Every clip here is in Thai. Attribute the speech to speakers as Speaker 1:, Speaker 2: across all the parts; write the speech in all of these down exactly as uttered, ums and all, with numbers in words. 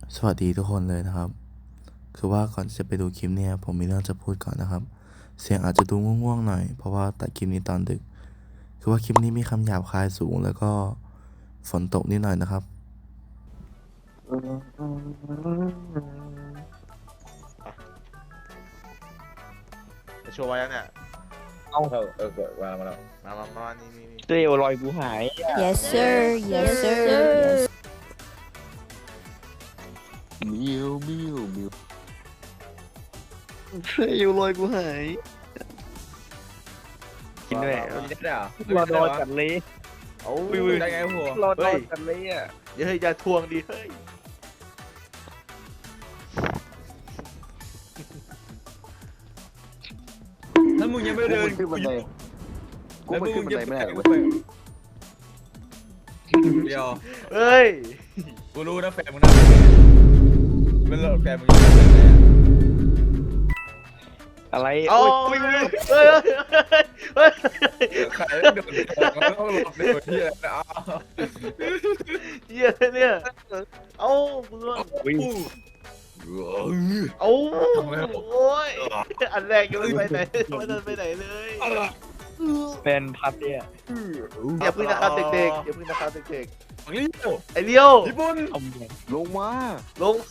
Speaker 1: สวัสดีทุกคนเลยนะครับคือว่าก่อนจะไปดูคลิปเนี่ยผมมีเรื่องจะพูดก่อนนะครับเสียงอาจจะดูง่วงๆหน่อยเพราะว่าตัดคลิปนี้ตอนดึกคือว่าคลิปนี้มีคำหยาบคายสูงแล้วก็ฝนตกนิดหน่อยนะครับ
Speaker 2: จะโชว์ไว้ยังเนี่ย
Speaker 3: เอาเออเออเกิดมามาแล้ว
Speaker 2: มามามานี่นี่นี่
Speaker 3: เตลลอยกูหาย
Speaker 4: Yes sir Yes sir Yes
Speaker 3: มิวมิวมิวเตลลอยกูหายกินด้วยกินได้เหรอรอดอจัดเลย
Speaker 2: เอา
Speaker 3: วิวได้ไงหัวรอดอจัดเลยอ่ะ
Speaker 2: เดี๋ยวเฮ้ยอย่าทวงดิเฮ้ย
Speaker 3: ถ้ามึงยังไม่เดิน
Speaker 5: ขึ้นบันไดกูมันขึ้นบันไดไม่ได้เว้ย
Speaker 3: เดียว
Speaker 2: เฮ้ย
Speaker 3: กูรู้นะแฟนมึงน่าเป็นหลอดแฟนมึงอยู่ไหนอะไร
Speaker 2: เอา
Speaker 3: โอ้ย
Speaker 2: เฮ้ยเฮ้ยเฮ้ย
Speaker 3: ใครไม่โดนต้องหลบในที่อะไรนะ
Speaker 2: เหี้ยเนี่ยเอามึงเอาเอาโอ้ยอันแรกยังไม่ไปไหนไม่เดินไปไหนเลย
Speaker 3: แฟนพับเนี่ย
Speaker 2: อย่าพึ่งนะครับเด็กๆอย่าพึ่งนะครับเด็ก
Speaker 3: ฝั่งนี้
Speaker 2: ๆไอเลี้ยว
Speaker 3: ญี่ปุ่น
Speaker 5: ลงมา
Speaker 2: ลง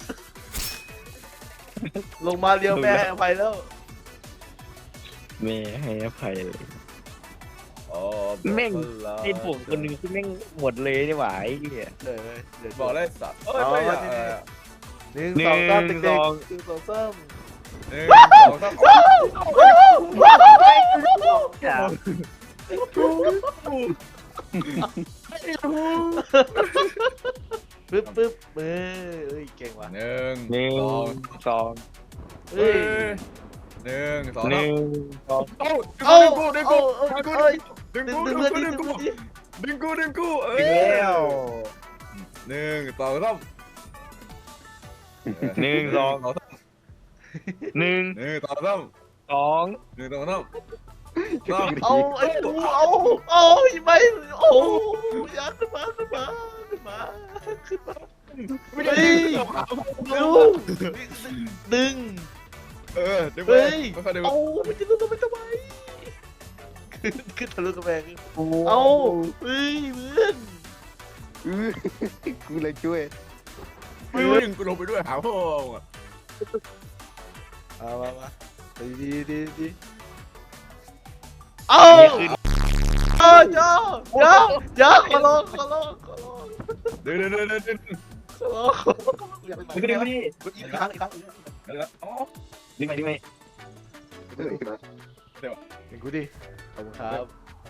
Speaker 2: ลงมาเลี้ยวแม่ให้อภัยแล้ว
Speaker 3: แม่ให้อภัยเลยแม่งไอ้ผมคนนึงที่แม่งหมดเลยนี่หว่าไอ้เนี่ย
Speaker 2: เลยเดี๋ยว
Speaker 6: บอกเลยสัตว์
Speaker 2: เอา
Speaker 6: ไม่
Speaker 2: มา
Speaker 6: อยาก
Speaker 2: ที่
Speaker 6: เอ
Speaker 2: นี่
Speaker 6: อ
Speaker 2: หนึ่งสองสามเด็กๆหนึ่งสองสาม
Speaker 6: หนึ่งสองสาม
Speaker 2: ปึ๊บปึ๊บเอ้ยเอ้ยเก่งว่ะ
Speaker 6: หนึ่ง
Speaker 3: หนึ่ง
Speaker 6: สอง
Speaker 3: สอง
Speaker 2: เฮ้ย
Speaker 6: หนึ่งสอง
Speaker 3: หนึ่งสอง
Speaker 6: เอ้า
Speaker 2: เอา
Speaker 6: ดึง
Speaker 2: เอา
Speaker 6: กู
Speaker 2: เอา
Speaker 6: ดึงกู
Speaker 2: เอ้ย
Speaker 6: ดึง
Speaker 2: ดึง
Speaker 6: กู
Speaker 2: ดึง
Speaker 6: ดึ
Speaker 2: เพื่อน
Speaker 6: ง
Speaker 2: ดิ
Speaker 6: กู
Speaker 2: ดึงเพื่อนดิ
Speaker 6: ดึงกูดึงกูเอ้
Speaker 3: อี
Speaker 6: ย
Speaker 3: กแล้ว
Speaker 6: หนึ่งสองสาม
Speaker 3: หนึ่งสองหนึ่ง
Speaker 6: หนึ่งสองสาม
Speaker 3: สอง
Speaker 6: หนึ่งสองสาม
Speaker 2: เอาไอ้กูเอาเอาไม่โอ้ยาขึ้นมาขึ้นมาขึ้นมาขึ้นมา
Speaker 6: ไม่ได้
Speaker 2: เร็วดึง
Speaker 6: เออดึงไป
Speaker 2: เฮ้ย
Speaker 6: ไม่ค่อยดึง
Speaker 2: เอามันจะดึงทำไมทำไมขึ้นขึ้นทะลุกระแพงเอาเฮ้ยเพื่อน
Speaker 5: อื้อกูเลยช่วย
Speaker 6: ไม่ดึงกูลงไปด้วยหาพ่ออ่ะ
Speaker 2: เอามามาดีดีดีดีเอาเอาเดี๋ยวเดี๋ยวเดี๋ยวขอร้องขอร้องขอร้อง
Speaker 6: ดึงดึงดึงดึงดึง
Speaker 2: ขอร้องขอร้องอย่าไป
Speaker 3: ดึงไปดิ
Speaker 2: อีกครั้งอีกครั้ง
Speaker 6: อ๋อ
Speaker 3: ดึงไปดึงไป
Speaker 5: เฮ้ยนะ
Speaker 2: ดึงกูดิขอบคุณครับ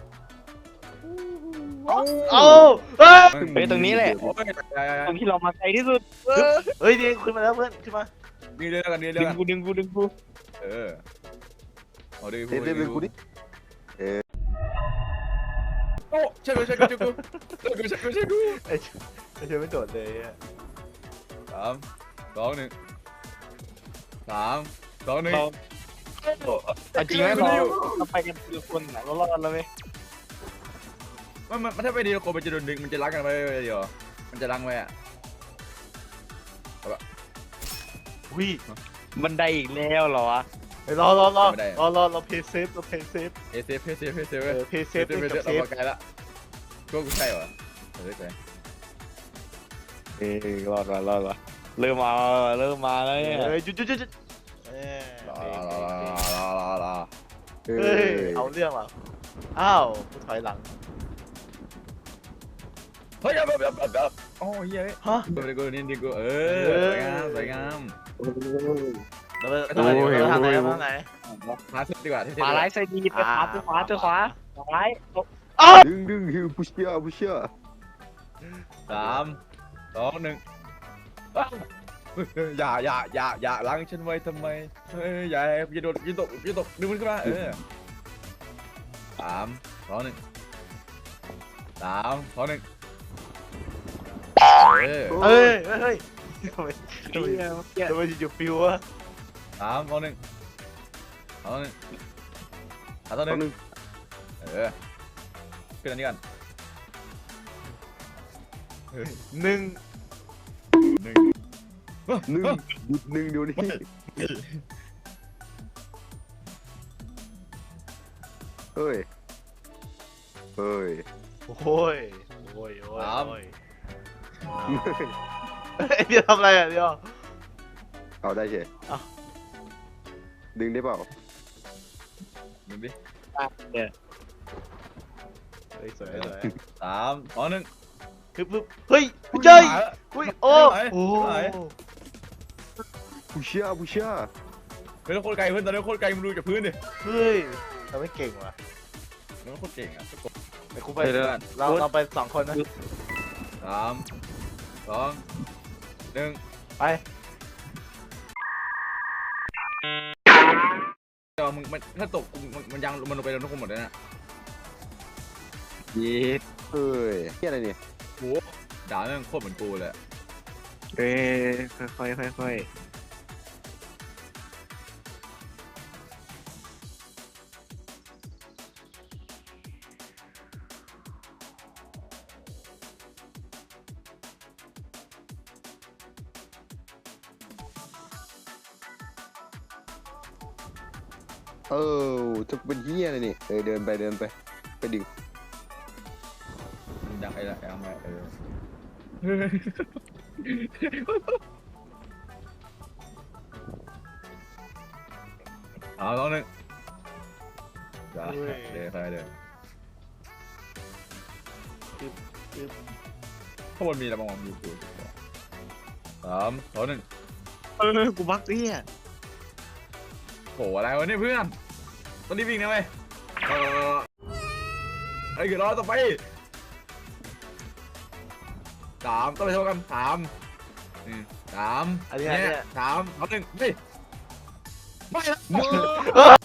Speaker 2: เอาเอาเฮ้ย
Speaker 3: ไปตรงนี้แหละ
Speaker 6: โอ้ย
Speaker 3: ตรงที่เรามาไกลที่สุด
Speaker 2: เฮ้ยดีขึ้นมาแล้วเพื่อนขึ้นมา
Speaker 6: นี่เรื่องกันนี่เรื่
Speaker 3: ดึ
Speaker 6: อง
Speaker 3: ง
Speaker 6: กัน
Speaker 3: กูดึงกูดึงกู
Speaker 6: เออเอาดิ
Speaker 5: เด็ดเด็ดกูดิ
Speaker 6: โอ้ใช่กูใช่กูใช่กูใช่กูใช่กูใช่กู
Speaker 2: ไอ้ไอ้เชยไม่โดดเลยอะ
Speaker 6: สามสองหนึ่งสามสองหนึ่ง
Speaker 3: เราจริงไหมเราเราไปกันคือคนไหนเรารอดแล้วไหม
Speaker 6: มันมันถ้าไปดีโกมันจะโดนดึงมันจะรักกันไปเดียวมันจะรังไว้อะ
Speaker 2: วิ
Speaker 3: บันไดอีกแล้วเหรอวะ
Speaker 2: ไปรอรอรอรอรอเราเพย์เซฟเราเพย์เซฟ
Speaker 6: เอเซฟเอเซฟเอเซฟ
Speaker 2: เออเพย์เซ
Speaker 6: เซ
Speaker 2: ฟ
Speaker 6: ฟ
Speaker 2: เล่น
Speaker 6: เซ
Speaker 2: กั
Speaker 6: ฟ
Speaker 2: บเซ
Speaker 6: เรา
Speaker 2: ฟ
Speaker 6: ไกลละก็กูใช่เหรอเฮ้ยใช่
Speaker 3: เออรอดว่ะรอดว่ะเริ่มมาเริ่มมาแล้วเนี่ย
Speaker 2: เฮ้ยหยุดหยุดหยุดหยุดเออ
Speaker 6: รอรอรอรอรอ
Speaker 5: เอ
Speaker 2: เฮ้ย
Speaker 5: อ
Speaker 2: เอาเรื่องว่ะอ้าวกูถอยหลัง
Speaker 6: เฮ้ยแบบแบบแบบโอ้ยเฮ้ย
Speaker 2: ฮะ
Speaker 6: กูกูนี่ดิกูเออสวยงามสวยงาม
Speaker 2: เราไปเราทางไหนทางไหน
Speaker 6: มาสุดดีกว่าที่
Speaker 3: ขวาไลท์ไซดีไปขวาไปขวาไปขวาขวาไลท์
Speaker 5: ดึงดึงฮิวพุชเชียพุชเชีย
Speaker 6: สามสองหนึ่งอย่าอย่าอย่าอย่าล้างฉันไว้ทำไมเฮ้ยอย่าอย่าโดดอย่าตกอย่าตกดึงมันขึ้นมาเออสามสองหนึ่งสามสองหนึ่งเออ
Speaker 2: เฮ้ยเฮ้ยทำไม
Speaker 3: เฮียเฮีย
Speaker 2: ทำไมอยู่ฟิววะ
Speaker 6: สามสองหนึ่งสองหนึ่งสามสองห
Speaker 5: ตัวห
Speaker 6: นึ่
Speaker 5: นึ่
Speaker 6: ง
Speaker 5: ง
Speaker 6: เออขึ้นอันนี้กัน
Speaker 2: หนึ่ง
Speaker 6: หนึ่ง
Speaker 5: หนึ่งหยุดหนึ่งเดี๋ยวนี้เฮ้ยเฮ้ย
Speaker 2: โอ้ยโอ้ยโอ้ยโอ้ยไอเดียวทำอะไรอ่ะเดียว
Speaker 5: เอาได้เฉย
Speaker 2: เอา
Speaker 5: ดึงได้เปล่า
Speaker 6: ดูดิ
Speaker 3: เนี่ย
Speaker 2: เฮ้ยสวยสวย
Speaker 6: สามสองหนึ่ง
Speaker 2: คือปึ๊บเฮ้ยเจ้ยอุ้ยโอ้
Speaker 6: ไม่ไหว
Speaker 2: โอ้
Speaker 6: ไม่ไหว
Speaker 5: ผู้เชี่ยผู้เชี่ย
Speaker 6: เฮ้ยเราโคตรไกลเพื่อนตอนนี้โคตรไกลมึงดูจากพื้นดิ
Speaker 2: เฮ้ยเราไม่เก่งว่ะ
Speaker 6: เราโคตรเก่งอ่ะ
Speaker 2: ไปคุไปเราเราไปสองคนนะ
Speaker 6: สามสองหนึ่ง
Speaker 2: ไป
Speaker 6: เดี๋ยวมึงมันถ้าตกมันมันยังมันลงไปแล้วทุกคนหมดเลยนะ
Speaker 3: เย็ด
Speaker 5: เฮ้ยเฮียอะไรเนี่ย
Speaker 6: โหด่าแม่งโคตรเหมือนกูเลย
Speaker 3: เอ้ยค่อยๆค่อยๆ
Speaker 5: เออจะเป็นเฮียอะไรเนี่ยเออเดินไปเดินไปไปดึง
Speaker 6: มันยังไอ้ละยังไงเออเอาสองหนึ่งเดี๋ยวเดี๋ยวใครเดี๋ยวข้างบนมีอะไรบ้างมีกูสามสองหนึ่ง
Speaker 3: เออกูบักเนี่ย
Speaker 6: โหอะไรวะเนี่ยเพื่อนตอนนี้วิ่งนะเว้ยเออไอ้เกิดรอต่อไปสามต้องไปเท่ากันสามอืมสาม
Speaker 2: อันนี้
Speaker 6: เนี่
Speaker 2: อันนี้
Speaker 6: ยสามสองหนึ่งเฮ้ยไม่ละ
Speaker 2: เออ